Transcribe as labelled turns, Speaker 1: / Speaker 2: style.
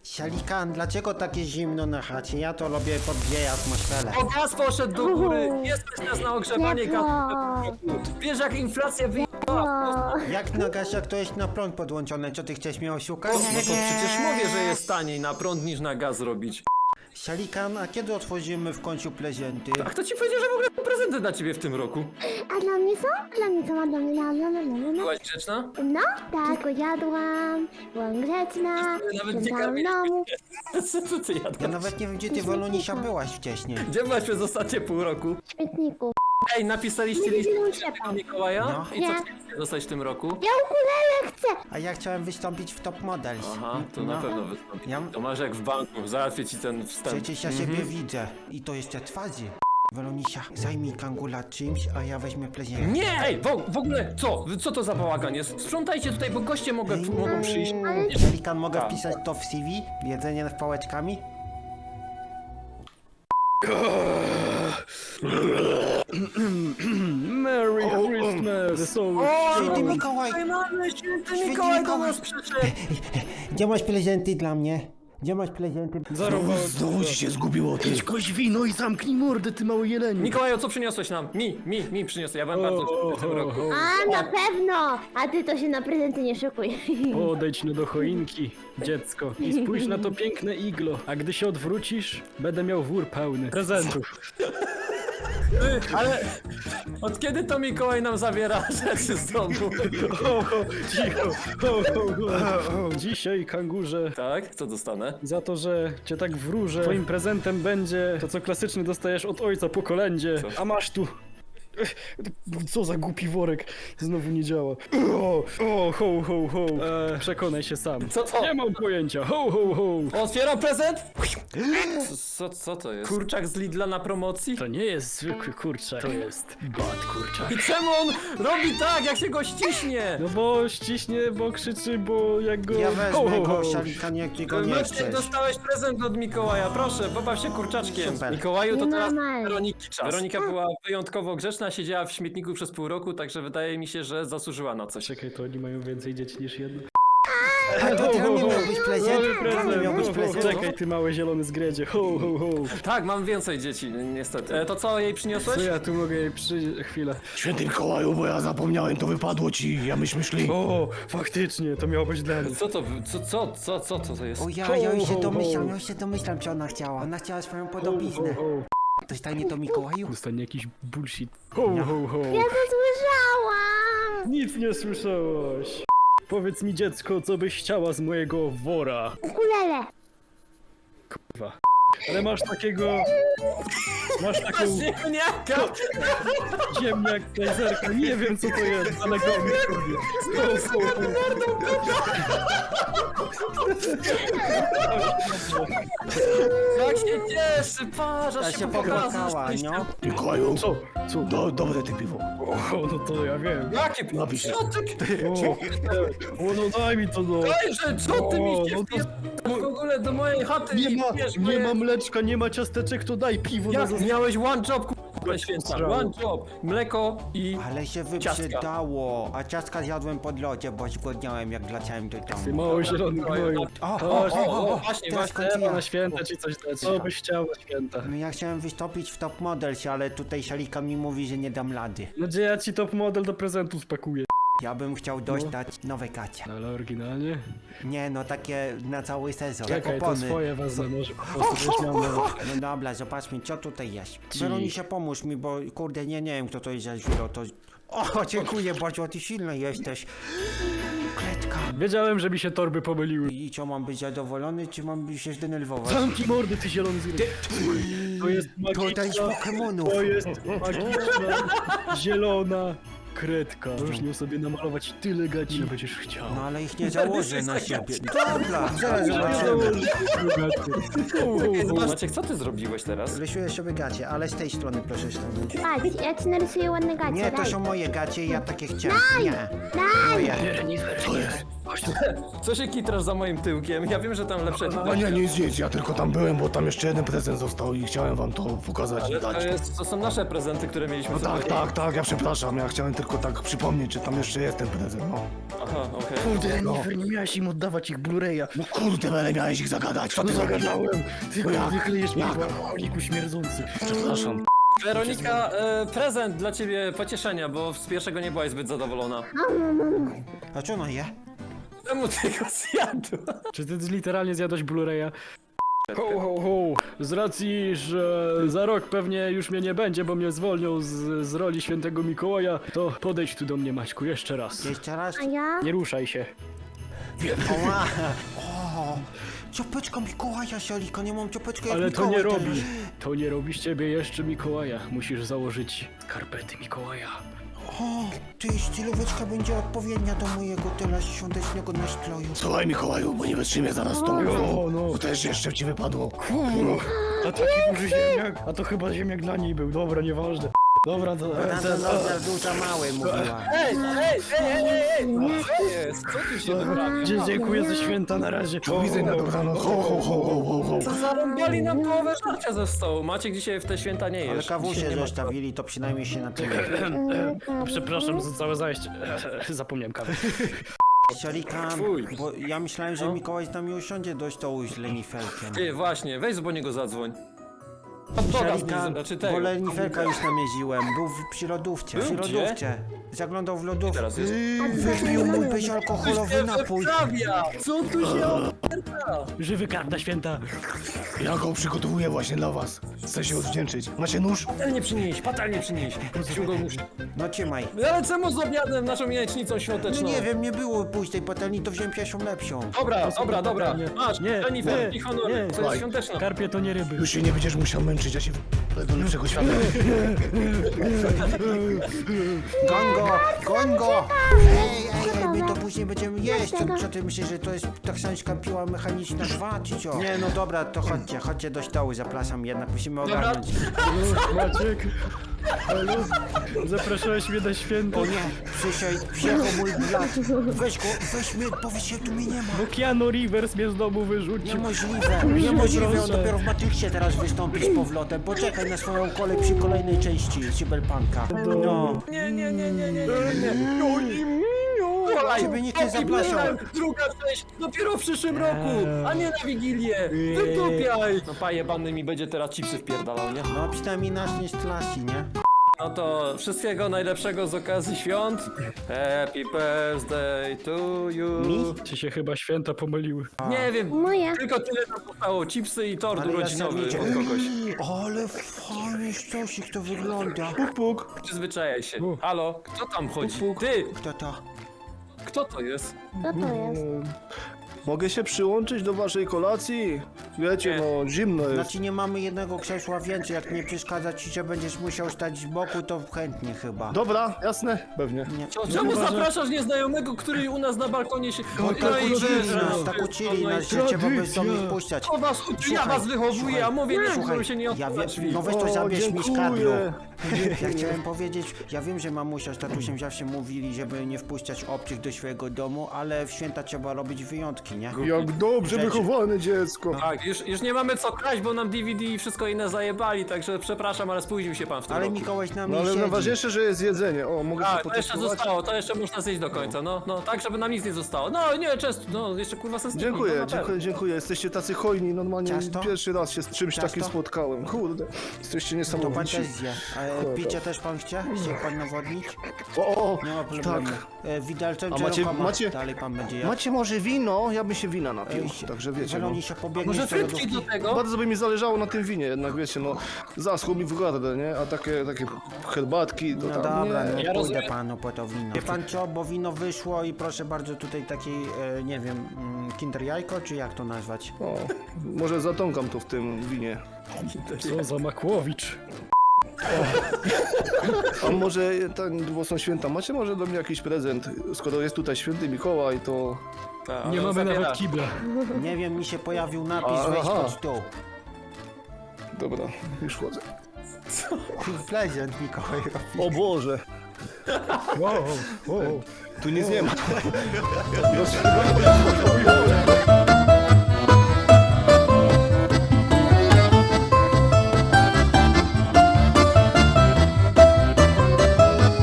Speaker 1: Sialikan, dlaczego takie zimno na chacie? Ja to lubię podgrzej atmosferę.
Speaker 2: O, gaz poszedł do góry! Nie stać nas na ogrzewanie gazu. Wiesz, jak inflacja wyjechała?
Speaker 1: Jak na gasiach to jest na prąd podłączone, co ty chcesz mnie oszukać?
Speaker 2: No to przecież mówię, że jest taniej na prąd niż na gaz robić.
Speaker 1: Sialikan, a kiedy otworzymy w końcu prezenty?
Speaker 2: A kto ci powiedział, że w ogóle prezenty dla ciebie w tym roku?
Speaker 3: A dla mnie są? Dla mnie są, a dla mnie.
Speaker 2: Byłaś grzeczna?
Speaker 3: No, tak, tylko jadłam, byłam grzeczna,
Speaker 2: Nawet nie
Speaker 3: sprzątałam
Speaker 2: kamień.
Speaker 3: domu.
Speaker 2: Co ty
Speaker 1: Ja
Speaker 2: jadłaś?
Speaker 1: nawet nie wiem, gdzie ty Wolonisia byłaś wcześniej.
Speaker 2: Gdzie byłaś przez ostatnie pół roku?
Speaker 3: W śmietniku.
Speaker 2: Ej, napisaliście
Speaker 3: Nie
Speaker 2: list
Speaker 3: widziałam
Speaker 2: do
Speaker 3: szefa.
Speaker 2: Mikołaja?
Speaker 1: No.
Speaker 2: I co
Speaker 3: Nie.
Speaker 2: chcecie dostać w tym roku?
Speaker 3: Ja ukulele chcę!
Speaker 1: A ja chciałem wystąpić w Top Models.
Speaker 2: Aha, to na
Speaker 1: No.
Speaker 2: pewno wystąpi.
Speaker 1: Ja-
Speaker 2: To masz jak w banku, załatwię ci ten wstęp.
Speaker 1: Przecież ja siebie widzę. I to jeszcze twarzy. Wolonisia, zajmij Kangula czymś, a ja weźmie prezent.
Speaker 2: Nie! Ej, w ogóle, co to za bałagan jest? Sprzątajcie tutaj, bo goście mogą przyjść.
Speaker 1: Sialikan, mogę
Speaker 2: Tak.
Speaker 1: wpisać to w CV? Jedzenie z pałeczkami?
Speaker 4: Merry Christmas!
Speaker 1: Święty Mikołaj!
Speaker 2: Święty Mikołaj do nas przyszedł!
Speaker 1: Gdzie masz prezenty dla mnie? Gdzie masz prezenty?
Speaker 4: Znowu ci się zgubiło, ty koś wino i zamknij mordę, ty mały jeleniu.
Speaker 2: Mikołaju, co przyniosłeś nam? Mi przyniosłeś, ja byłem bardzo w tym roku.
Speaker 3: A, na pewno! A ty to się na prezenty nie szykuj.
Speaker 4: Podejdź no do choinki, dziecko, i spójrz na to piękne iglo, a gdy się odwrócisz, będę miał wór pełny prezentów.
Speaker 2: Ale od kiedy to Mikołaj nam zabiera rzeczy z domu?
Speaker 4: Cicho, Dzisiaj, kangurze,
Speaker 2: Tak? Co dostanę?
Speaker 4: za to, że cię tak wróżę, twoim prezentem będzie to, co klasycznie dostajesz od ojca po kolędzie,
Speaker 2: Co?
Speaker 4: a masz tu... Co za głupi worek, znowu nie działa. Ho. Przekonaj się sam.
Speaker 2: Co to?
Speaker 4: Nie mam pojęcia, ho.
Speaker 2: Otwieram prezent? Co to jest? Kurczak z Lidla na promocji?
Speaker 4: To nie jest zwykły kurczak, to jest bad kurczak.
Speaker 2: I czemu on robi tak, jak się go ściśnie?
Speaker 4: No bo ściśnie, bo krzyczy, bo jak go...
Speaker 1: Ja wezmę go,
Speaker 4: ho.
Speaker 1: Sialikan, jak ty go nie
Speaker 2: Maciek,
Speaker 1: chcesz.
Speaker 2: dostałeś prezent od Mikołaja, proszę, pobaw się kurczaczkiem.
Speaker 1: Super.
Speaker 2: Mikołaju, to teraz
Speaker 3: Normalnie.
Speaker 2: Weroniki czas. Weronika była wyjątkowo grzeczna, siedziała w śmietniku przez pół roku, także wydaje mi się, że zasłużyła na coś.
Speaker 4: Czekaj, to oni mają więcej dzieci niż jedno.
Speaker 1: A to dla mnie miał być prezent? Dla mnie miał być prezent?
Speaker 4: Czekaj, ty mały zielony zgredzie, ho.
Speaker 2: Tak, mam więcej dzieci, niestety. To co jej przyniosłeś?
Speaker 4: Co ja tu mogę jej chwilę.
Speaker 5: Święty Mikołaju, bo ja zapomniałem, to wypadło ci, ja myśmy szli.
Speaker 4: O, faktycznie, to miało być dla mnie.
Speaker 2: Co to jest?
Speaker 1: O ja już się domyślam, co ona chciała. Ona chciała swoją podobiznę. To stanie to Mikołaju?
Speaker 4: Dostanie jakiś bullshit. Ho.
Speaker 3: Ja to słyszałam!
Speaker 4: Nic nie słyszałaś. Powiedz mi, dziecko, co byś chciała z mojego wora.
Speaker 3: Ukulele!
Speaker 4: Ale masz takiego... Masz taką
Speaker 2: Ziemniaka!
Speaker 4: ziemniak, kajzerka, nie wiem co to jest, ale go mi robię.
Speaker 2: Jak się cieszy, patrz,
Speaker 1: Ta
Speaker 2: aż
Speaker 1: się
Speaker 2: się pokazał
Speaker 1: popłakała, no.
Speaker 5: Mikołaju,
Speaker 4: Co? Co?
Speaker 5: dobre te piwo.
Speaker 4: O, no to ja wiem.
Speaker 2: Jakie
Speaker 5: Napisz.
Speaker 2: Co ty?
Speaker 4: O, no daj mi to no.
Speaker 2: Dajże, co ty mi się
Speaker 4: no
Speaker 2: w ogóle do mojej chaty
Speaker 4: Nie
Speaker 2: i
Speaker 4: ma,
Speaker 2: pijesz
Speaker 4: nie
Speaker 2: moje-
Speaker 4: ma mleczka, nie ma ciasteczek, to daj piwo na
Speaker 2: Jak
Speaker 4: zas...
Speaker 2: miałeś one job, k***a święta,
Speaker 4: Strzał.
Speaker 2: one job, mleko i...
Speaker 1: Ale się wyprzedało. A ciastka zjadłem pod lodzie, bo zgłodniałem jak wleciałem do
Speaker 4: Ty
Speaker 1: domu.
Speaker 4: mało zielony gnoju.
Speaker 2: Właśnie,
Speaker 1: teraz
Speaker 2: właśnie,
Speaker 1: kończę ja.
Speaker 4: Na święta ci coś dać. Co byś chciał na święta?
Speaker 1: No ja chciałem wystąpić w Top Models, ale tutaj Sialikan mi mówi, że nie dam rady.
Speaker 4: No gdzie ja ci top model do prezentu spakuję?
Speaker 1: Ja bym chciał dostać nowe gacie.
Speaker 4: Ale oryginalnie?
Speaker 1: Nie no, takie na cały sezon, jak
Speaker 4: Czekaj, to
Speaker 1: opony.
Speaker 4: swoje wezmę, może po prostu żeś miał nowe.
Speaker 1: No dobra, zobaczmy, co tutaj jest.
Speaker 4: Ci.
Speaker 1: Weronisia, pomóż mi, bo kurde, nie wiem, kto to jest za źle, to... O, dziękuję bardzo, ty silny jesteś. Kletka.
Speaker 4: Wiedziałem, że mi się torby pomyliły.
Speaker 1: I co, mam być zadowolony, czy mam się zdenerwować?
Speaker 4: Zamknij mordy, ty zielony zgry. To jest
Speaker 1: To daj z
Speaker 4: magiczna,
Speaker 1: Pokemonów.
Speaker 4: to jest magiczna, zielona kredka. Możesz nią sobie namalować tyle gaci, ile będziesz chciał.
Speaker 1: No ale ich nie założę na siebie. Dobra, zaraz zobaczymy.
Speaker 2: Maciek, co ty zrobiłeś teraz?
Speaker 1: Rysuję sobie gacie, ale z tej strony proszę stanąć.
Speaker 3: Patrz, ja ci narysuję ładne gacie,
Speaker 1: Nie, to
Speaker 3: daj.
Speaker 1: są moje gacie i ja takie chciałem. Nie.
Speaker 3: Daj!
Speaker 1: Moje.
Speaker 4: Nie, nie, co jest? Chodź tu.
Speaker 2: Co się kitrasz za moim tyłkiem? Ja wiem, że tam lepsze...
Speaker 5: A nie, nic, ja tylko tam byłem, bo tam jeszcze jeden prezent został i chciałem wam to pokazać i
Speaker 2: Ale
Speaker 5: dać.
Speaker 2: to są nasze prezenty, które mieliśmy
Speaker 5: No
Speaker 2: sobie.
Speaker 5: tak, ja przepraszam, ja chciałem tylko tak przypomnieć, że tam jeszcze jest ten prezent, no.
Speaker 2: Aha, okej.
Speaker 4: Kurde, Renifer, nie miałeś im oddawać ich Blu-raya.
Speaker 5: No kurde, ale miałeś ich zagadać, co
Speaker 4: No
Speaker 5: ty zagadałeś?
Speaker 4: zagadałem. Ty
Speaker 5: No jak?
Speaker 4: wyklejesz mnie,
Speaker 5: Jak?
Speaker 4: alkoholiku śmierdzący.
Speaker 5: Przepraszam.
Speaker 2: Weronika, prezent dla ciebie pocieszenia, bo z pierwszego nie byłaś zbyt zadowolona.
Speaker 1: A co ona je?
Speaker 2: Czemu ty go zjadła?
Speaker 4: Czy ty literalnie zjadłeś Blu-raya? Ho, ho, ho. Z racji, że za rok pewnie już mnie nie będzie, bo mnie zwolnią z roli świętego Mikołaja, to podejdź tu do mnie, Maćku, jeszcze raz.
Speaker 1: Jeszcze raz?
Speaker 3: A ja?
Speaker 4: Nie ruszaj się.
Speaker 1: Oła. O, ciopeczka Mikołaja, Siolika, nie mam ciopeczki jak
Speaker 4: Ale to
Speaker 1: Mikołaj
Speaker 4: nie
Speaker 1: teraz.
Speaker 4: robi. To nie robi z ciebie jeszcze Mikołaja. Musisz założyć skarpety Mikołaja.
Speaker 1: O, ty stylóweczka będzie odpowiednia do mojego teraz świątecznego nastroju.
Speaker 5: Słuchaj Mikołaju, bo nie wytrzymię zaraz to.
Speaker 4: no.
Speaker 5: To też jeszcze ci wypadło.
Speaker 4: A taki duży ziemniak. A to chyba ziemniak dla niej był. Dobra, nieważne. Dobra, to...
Speaker 1: Tamten rozmiar był za mały, mówiła.
Speaker 2: Ej! Co jest? Co tu się wyprawia?
Speaker 4: Dziękuję za święta na razie.
Speaker 5: Do widzenia, dobranoc. Ho.
Speaker 2: Co zarąbali nam połowę żarcia ze stołu. Maciek dzisiaj w te święta nie
Speaker 1: Ale
Speaker 2: jesz.
Speaker 1: kawusie
Speaker 2: Dzisiaj nie ma-
Speaker 1: zostawili, to przynajmniej się na tyle.
Speaker 4: Przepraszam za całe zajście. Zapomniałem kawy.
Speaker 1: Siolika,
Speaker 2: Fuj.
Speaker 1: bo ja myślałem, że
Speaker 2: No.
Speaker 1: Mikołaj z nami usiądzie do stołu z Lenifelkiem.
Speaker 2: Ty, właśnie, weź po niego zadzwoń. Hot doga z
Speaker 1: Siolika,
Speaker 2: nim, znaczy
Speaker 1: bo
Speaker 2: tego.
Speaker 1: Lenifelka już namieziłem. Był przy lodówce.
Speaker 2: Był
Speaker 1: Przy
Speaker 2: gdzie?
Speaker 1: lodówce. Zaglądał w lodówkę.
Speaker 2: Teraz jest.
Speaker 1: Wypił mój bezalkoholowy napój.
Speaker 2: Co tu się
Speaker 4: Żywy karp na święta.
Speaker 5: Ja go przygotowuję właśnie dla was. Chcę się odwdzięczyć. Macie nóż?
Speaker 2: Fatalnie przynieś. Musimy go muszę.
Speaker 1: No trzymaj.
Speaker 2: Ale czemu z obiadem, naszą jajecznicą
Speaker 1: No
Speaker 2: świąteczną?
Speaker 1: nie wiem, nie było pustej patelni, to wziąłem pierwszą lepszą.
Speaker 2: Dobra. Masz, Jennifer, i honor, to jest
Speaker 5: Słuchaj.
Speaker 2: świąteczna.
Speaker 4: Karpie to nie ryby.
Speaker 5: Już się nie będziesz musiał męczyć, ja się do lepszego świata.
Speaker 1: Goń go! Ej, my to później będziemy jeść. Co ty myślisz, że to jest taksańska piła mechaniczna 2, czy co? Nie, no dobra, to chodźcie do stołu, zapraszam, jednak musimy ogarnąć.
Speaker 4: Maciek. Halo? Zapraszałeś mnie na święta.
Speaker 1: O nie, przyjechał mój brat. Weź mnie, powiedz się, tu mnie nie ma.
Speaker 4: Bo Keanu Rivers mnie z domu wyrzucił.
Speaker 1: Niemożliwe, on
Speaker 4: Proszę.
Speaker 1: dopiero w Matrixie teraz wystąpi z powrotem. Poczekaj na swoją kolej przy kolejnej części Cyberpunka. No.
Speaker 2: Nie.
Speaker 1: Ciebie nikt nie zapraszał.
Speaker 2: Druga część dopiero w przyszłym roku, a nie na Wigilię. Wytupiaj. No paje banny mi będzie teraz chipsy wpierdalał, nie?
Speaker 1: No przynajmniej nasz nie z klasy, nie?
Speaker 2: No to wszystkiego najlepszego z okazji świąt. Happy birthday to you.
Speaker 1: Mi?
Speaker 4: Ci się chyba święta pomyliły.
Speaker 2: Nie wiem,
Speaker 3: Moja.
Speaker 2: tylko tyle nam zostało. Chipsy i tort
Speaker 1: Ale ja
Speaker 2: urodzinowy
Speaker 1: serwicie.
Speaker 2: od kogoś.
Speaker 1: Ale fajny stosik to wygląda.
Speaker 2: Przyzwyczajaj się. Halo, kto tam chodzi? Ty,
Speaker 1: Kto to?
Speaker 2: kto to jest?
Speaker 3: Co to jest?
Speaker 5: Mogę się przyłączyć do waszej kolacji? Wiecie, no zimno jest.
Speaker 1: Znaczy nie mamy jednego krzesła więcej, jak nie przeszkadza ci, że będziesz musiał stać z boku, to chętnie chyba.
Speaker 5: Dobra, jasne, pewnie.
Speaker 2: Czemu zapraszasz nieznajomego, który u nas na balkonie się... No
Speaker 1: Tak uczyli nas, że trzeba bezdomnych puszczać.
Speaker 2: O was uczy, ja was wychowuję, a mówię, nie
Speaker 1: Słuchaj,
Speaker 2: się nie
Speaker 1: ja
Speaker 2: otwiera
Speaker 1: wiem,
Speaker 2: drzwi.
Speaker 1: no weź to zabierz mi z kadru.
Speaker 5: dziękuję.
Speaker 1: Ja chciałem powiedzieć, ja wiem, że mamusia z tatusiem zawsze mówili, żeby nie wpuszczać obcych do swojego domu, ale w święta trzeba robić wyjątki, nie?
Speaker 5: Jak dobrze
Speaker 1: Rzeczy.
Speaker 5: wychowane dziecko.
Speaker 2: Tak, już nie mamy co kraść, bo nam DVD i wszystko inne zajebali, także przepraszam, ale spóźnił się pan w tym
Speaker 1: Ale
Speaker 2: roku.
Speaker 1: Mikołaj z nami
Speaker 5: No ale
Speaker 1: siedzi.
Speaker 5: najważniejsze, że jest jedzenie. O, mogę się
Speaker 2: Tak, to jeszcze
Speaker 5: potestować?
Speaker 2: zostało, to jeszcze można zjeść do końca, no, tak, żeby nam nic nie zostało. No, nie, często, no, jeszcze kurwa sens
Speaker 5: Dziękuję. Jesteście tacy hojni, normalnie
Speaker 1: Ciasto?
Speaker 5: pierwszy raz się z czymś
Speaker 1: Ciasto?
Speaker 5: takim spotkałem. Kurde, jesteście
Speaker 1: To pan
Speaker 5: niesamowici.
Speaker 1: też zje. A picie też pan chce? Chce pan nawodnić?
Speaker 5: O,
Speaker 1: Nie ma problemu.
Speaker 5: tak.
Speaker 1: Widelcem
Speaker 5: A
Speaker 1: czy
Speaker 5: macie-
Speaker 1: rękoma?
Speaker 5: macie-
Speaker 1: Dalej pan będzie jadł.
Speaker 5: Macie może wino? Ja bym się wina napił,
Speaker 1: Ej,
Speaker 5: także wiecie, no.
Speaker 1: Zieloni się pobiegnie
Speaker 2: Może
Speaker 1: z tej
Speaker 2: frytki do
Speaker 1: lodówki.
Speaker 2: tego?
Speaker 5: Bardzo by mi zależało na tym winie, jednak wiecie, no zaschło mi w gardę, nie? A takie herbatki, to
Speaker 1: No
Speaker 5: tam,
Speaker 1: dobra,
Speaker 5: nie.
Speaker 1: no
Speaker 2: Ja
Speaker 1: pójdę
Speaker 2: rozumiem.
Speaker 1: panu po to wino. Wie pan co, bo wino wyszło i proszę bardzo tutaj takiej, nie wiem, kinder jajko, czy jak to nazwać?
Speaker 5: O, może zatąkam to w tym winie.
Speaker 4: Co za Makłowicz.
Speaker 5: A może, bo są święta, macie może do mnie jakiś prezent? Skoro jest tutaj święty Mikołaj, to...
Speaker 4: Nie mamy nawet kibla.
Speaker 1: Nie wiem, mi się pojawił napis,
Speaker 5: Aha.
Speaker 1: weź pod stół.
Speaker 5: Dobra, już chodzę.
Speaker 1: Prezent Mikołaj robi.
Speaker 5: O Boże! Tu nic nie ma.